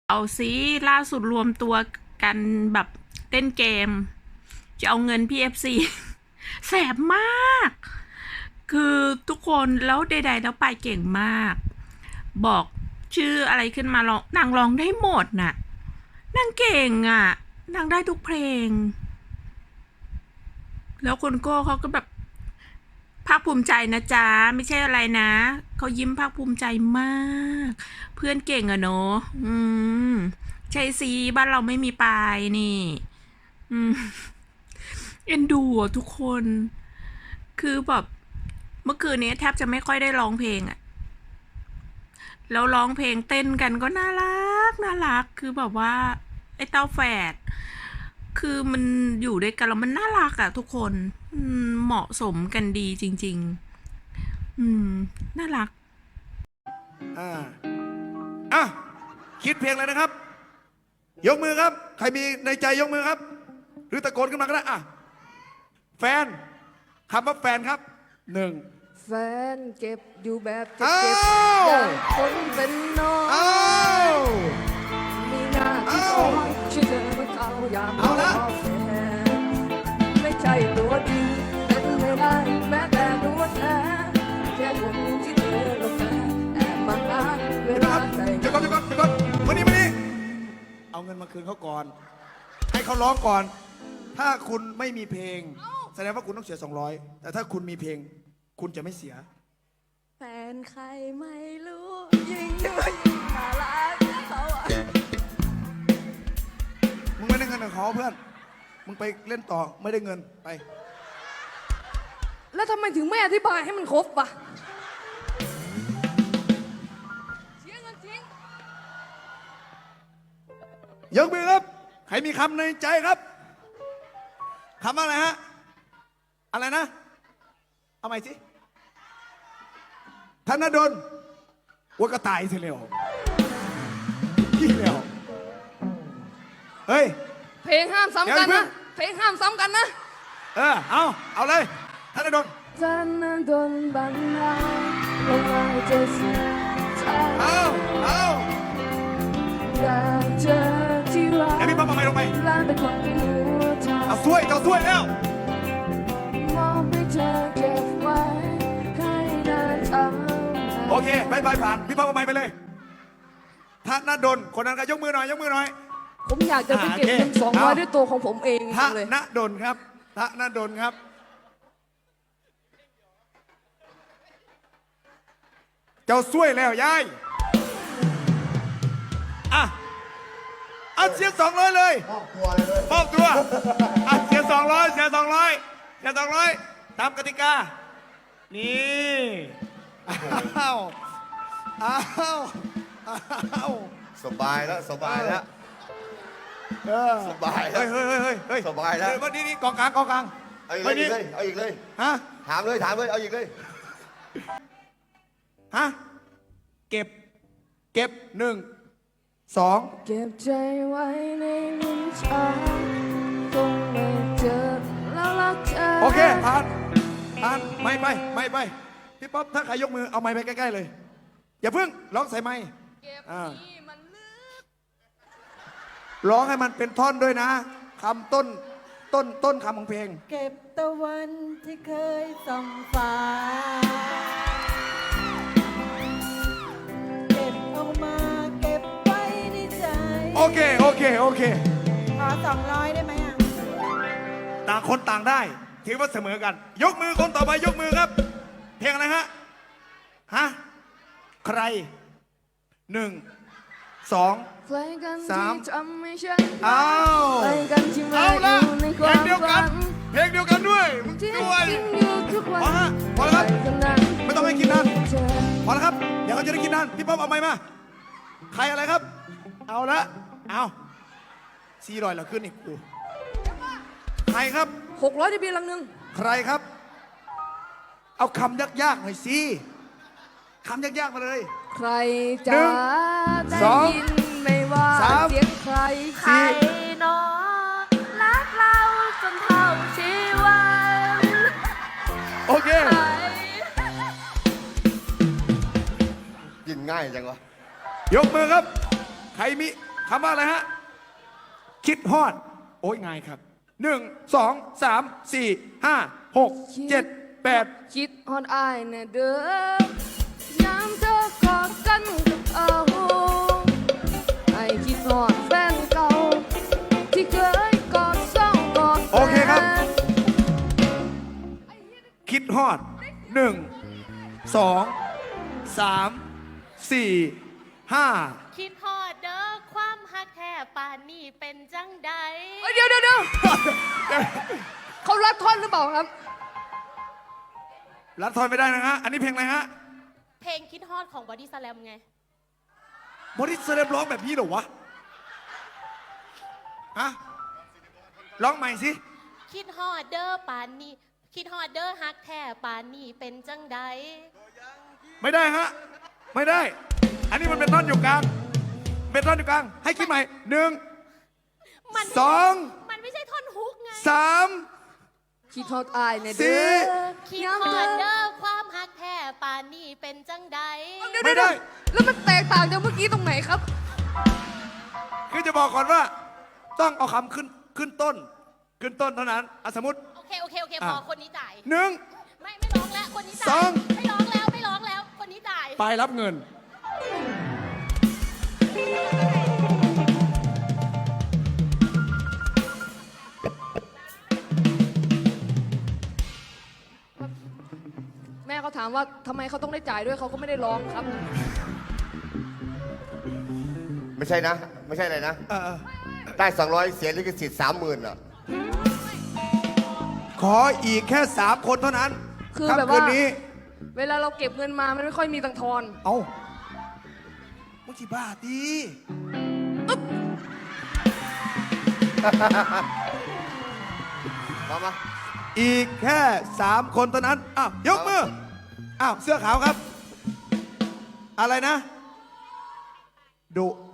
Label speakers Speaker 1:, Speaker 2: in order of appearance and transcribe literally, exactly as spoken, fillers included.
Speaker 1: เอาซิล่าสุดรวมตัวกันแบบเล่นเกม จะเอาเงิน พี เอฟ ซี แสบมาก คือทุกคนแล้วใดๆแล้วไปเก่งมาก บอกชื่ออะไรขึ้นมาร้องนางร้องได้หมดน่ะนางเก่งอ่ะนางได้ทุกเพลง แล้วคนโก้เขาก็แบบภาคภูมิใจนะจ๊ะไม่ใช่อะไรนะเขายิ้มภาคภูมิใจมาก เพื่อนเก่งอะเนาะอืมใช่สิบ้านเราไม่มีปลายนี่ อืมเอ็นดูอ่ะทุกคน คือแบบเมื่อคืนนี้แทบจะไม่ค่อยได้ร้องเพลงอะแล้วร้องเพลงเต้นกันก็น่ารักน่ารักคือแบบว่าไอ้เต้าแฝดคือมันอยู่ด้วยกันแล้วมันน่ารักอะทุกคนอืมเหมาะสมกันดีจริงๆอืมน่ารัก
Speaker 2: อ่าอ่ะคิดเพลงเลยนะครับ ยกมือครับ ใครมีในใจยกมือครับ หรือตะโกนขึ้นมาก็ได้อ่ะแฟนคำว่าแฟนครับหนึ่ง
Speaker 3: แฟนเก็บอยู่แบบเจ็บ
Speaker 2: อ้า
Speaker 3: เจ็บ
Speaker 2: ว
Speaker 3: อย่างคนเป็นน้อง
Speaker 2: อ้าว
Speaker 3: มีหน้าที่คอยช่วยเธอเมื่อเขายาม
Speaker 2: เอาละ
Speaker 3: รอแฟนไม่ใช่ตัวจริงเป็นไม่ได้แม้แต่ตัวแทนแค่คนที่เธอและแฟนแอบมาอ้างเว
Speaker 2: เดี๋ยว
Speaker 3: ลา
Speaker 2: นะครับ
Speaker 3: ใจ
Speaker 2: เดี๋ยวก่อนเดี๋ยวก่อนเดี๋ยวก่อนมานี่มานี่เอาเงินมาคืนเขาก่อน ให้เขาร้องก่อน ถ้าคุณไม่มีเพลง แสดงว่าคุณต้องเสียสองร้อยแต่ถ้าคุณมีเพลง คุณจะไม่เสีย
Speaker 3: แฟนใครไม่รู้ยิ่งด้วยน่ารักเขาอะ
Speaker 2: มึงไม่ได้เงินกับเขาเพื่อน มึงไปเล่นต่อไม่ได้เงินไป
Speaker 3: แล้วทำไมถึงไม่อธิบายให้มันครบปะเสียเงินจริง
Speaker 2: ยกมือครับ ใครมีคำในใจครับคำว่าอะไรฮะ อะไรนะ เอาใหม่สิธนดลว่ากระต่ายเสียแล้วพี่แล้วเฮ้ย
Speaker 3: เพลงห้ามซ้ำกัน
Speaker 2: เดี๋ยว
Speaker 3: นะ เพลงห้ามซ้ำกันนะ
Speaker 2: เออ เอา เอาเลยธนดล
Speaker 3: ฉันนั้นโดนบังคับลงมาเจอสิ่งใจ
Speaker 2: เอา เอา
Speaker 3: อยากเจอที่รัก
Speaker 2: แล้วพี่ป๊อปเอาไม้ลงไป
Speaker 3: ร้านเป็นคนที่หัวใจ
Speaker 2: เอาช่วยเอาช่วยแล้ว
Speaker 3: มองให้เธอเก็บไว้ให้นานเท่าไหร่
Speaker 2: โอเคบายบายผ่าน พี่ป๊อปเอาไม้ไปเลยธนดลคนนั้นก็ยกมือหน่อย ยกมือหน่อย
Speaker 3: ผมอยากจะไปเก็บ
Speaker 2: อ่าโอเค
Speaker 3: เงินสองร้อย
Speaker 2: เอา
Speaker 3: ด้วยตัวของผมเอง
Speaker 2: ธ
Speaker 3: จริงๆเลย
Speaker 2: นดลครับธนดลครับ เจ้าช่วยแล้วยายอ่ะเอาเสียสองร้อยเลยมอบตัวเลยมอบตัวอ่ะเสียสองร้อยเสียสองร้อยเสียสองร้อยตามกติกา นี่อ้าวอ้าวอ้าว
Speaker 4: สบายแล้วสบายแล้ว
Speaker 2: เออ
Speaker 4: สบายแล้ว
Speaker 2: เฮ้ยเฮ้ยเฮ้ยเฮ้ย
Speaker 4: สบายแล้ว
Speaker 2: เดี๋ยวนี่นี่กองกลางกองกลาง
Speaker 4: เอาอีก
Speaker 2: ฮ้
Speaker 4: เลย
Speaker 2: นี่
Speaker 4: เอาอีกเลย
Speaker 2: ฮะ
Speaker 4: ถามเลยถามเลยเอาอีกเลย
Speaker 2: ฮะเก็บ เก็บหนึ่งสอง
Speaker 3: เก็บใจไว้ในลิ้นชักคงไม่เจอแล้วรักเธอ
Speaker 2: โอเคผ่านผ่านไม่ไปไม่ไปพี่ป๊อปถ้าใครยกมือเอาไม้ไปใกล้ๆเลย อย่าเพิ่งร้องใส่ไม้
Speaker 3: เก็บ
Speaker 2: อ่า
Speaker 3: นี่มันลึก
Speaker 2: ร้องให้มันเป็นท่อนด้วยนะคำต้นต้นต้นคำของเพลง
Speaker 5: เก็บตะวันที่เคยส่องฟ้า เก็บเอามาเก็บไว้ในใจ
Speaker 2: โอเคโอเคโอเค
Speaker 5: ขอสองร้อยได้ไหมอ่ะ
Speaker 2: ต่างคนต่างได้ถือว่าเสมอกัน ยกมือคนต่อไปยกมือครับ เพลงอะไรฮะฮะใครหนึ่งสอง
Speaker 3: ใครกัน
Speaker 2: สาม
Speaker 3: ที่ทำให้ฉัน
Speaker 2: อ้าว
Speaker 3: ใครกันที่มา
Speaker 2: เอา
Speaker 3: อ
Speaker 2: ละ
Speaker 3: ยู่ในค
Speaker 2: เพล
Speaker 3: วาง ม
Speaker 2: เดียวกั
Speaker 3: ฝั
Speaker 2: น
Speaker 3: น
Speaker 2: เพลงเดียวกันด้วยมึง
Speaker 3: ที่
Speaker 2: ด้วย
Speaker 3: กินอยู่ทุกวัน
Speaker 2: พอฮะพอแล้วครับ
Speaker 3: ใครกันนั้น
Speaker 2: ไม่ต้องให้กินนาน
Speaker 3: เธอ
Speaker 2: พอแล้วครับเดี๋ยวเขาจะได้กินนานพี่ป๊อปเอาไม้มาใครอะไรครับ เอาละเอาซีรอยเราขึ้นอีกกูใครครับ
Speaker 3: หกร้อยได้เบียร์ลังหนึ่ง
Speaker 2: ใครครับ เอาคำยากๆหน่อยสิคำยากๆมาเลย
Speaker 3: ใคร
Speaker 2: หนึ่
Speaker 3: จะ
Speaker 2: ง
Speaker 3: ได้
Speaker 2: สอง
Speaker 3: ยินไม่ว่า
Speaker 2: สาม
Speaker 3: เสียงใคร
Speaker 1: ใครเนาะรักเราจนเท่าชีวัน
Speaker 2: โอเค
Speaker 1: ใคร
Speaker 4: กินง่ายจังวะ
Speaker 2: ยกมือครับ ใครมีคำว่าอะไรฮะ คิดฮอด โอ้ยง่ายครับหนึ่งสองสามสี่ห้าหกเจ็ดแปด
Speaker 3: คิดฮอดอายแน่เด้อยามเธอกอดกันกับเอาไอ้คิดฮอดแฟนเก่า ที่เคยกอดซ่องกอดแฟน
Speaker 2: โอเคครับ คิดฮอดหนึ่งสองสามสี่ห้า
Speaker 6: คิดฮอดเด้อความฮักแท้ป่านนี้เป็นจังใด
Speaker 3: เอ้ยเดี๋ยวเดี๋ยวเดี๋ยวเขารัดท่อนหรือเปล่าครับ
Speaker 2: รัดทอนไม่ได้นะฮะ อันนี้เพลงอะไรฮะ
Speaker 6: เพลงคิดฮอดของบอดี้สแลมไง
Speaker 2: บอดี้สแลมร้องแบบนี้เหรอวะฮะร้องใหม่สิ
Speaker 6: คิดฮอดเด้อป่านนี้ คิดฮอดเด้อฮักแท้ป่านนี้เป็นจังใด
Speaker 2: ไม่ได้ฮะ ไม่ได้ อันนี้มันเป็นท่อนอยู่กลาง เป็นท่อนอยู่กลาง ให้คิดใหม่หนึ่ง
Speaker 6: มัน
Speaker 2: สอง
Speaker 6: มันไม่ใช่ท่อนฮุกไง
Speaker 2: สาม
Speaker 3: คิดฮอดอายแน่
Speaker 2: สี่
Speaker 3: เด้อ
Speaker 6: คิดฮอดเด้อความฮักแท้ป่านนี้เป็นจังใด
Speaker 3: เดี๋ยว
Speaker 2: ไม่
Speaker 3: เดี๋ยว
Speaker 2: ได้
Speaker 3: แล้วมันแตกต่างจากเมื่อกี้ตรงไหนครับ
Speaker 2: คือจะบอกก่อนว่า ต้องเอาคำขึ้นขึ้นต้น ขึ้นต้นเท่านั้นอ่ะสมมติ
Speaker 6: โอเค โอเค โอเค
Speaker 2: อ่ะ
Speaker 6: พอคนนี้จ่าย
Speaker 2: หนึ่ง
Speaker 6: ไม่ ไม่ร้องแล้ว คนนี้จ่าย
Speaker 2: สอง
Speaker 6: ไม่ร้องแล้ว ไม่ร้องแล้ว คนนี้จ่าย
Speaker 2: ไปรับเงิน
Speaker 3: แม่เขาถามว่าทำไมเขาต้องได้จ่ายด้วยเขาก็ไม่ได้ร้องครับ
Speaker 4: ไม่ใช่นะ ไม่ใช่อะไรนะ
Speaker 2: เออเออ
Speaker 4: ได้สองร้อยเสียลิขสิทธิ์สามหมื่นอ่ะ
Speaker 2: ขออีกแค่สามคนเท่านั้น
Speaker 3: คือ
Speaker 2: รับ
Speaker 3: แบบว่า
Speaker 2: คืนนี้
Speaker 3: เวลาเราเก็บเงินมามันไม่ค่อยมีตังค์ทอน
Speaker 2: เอามุจิบ้าดี
Speaker 4: มามา
Speaker 2: อีกแค่สามคนเท่านั้น อ้าว ยกมือ อ้าว เสื้อขาวครับ อะไรนะ ดุ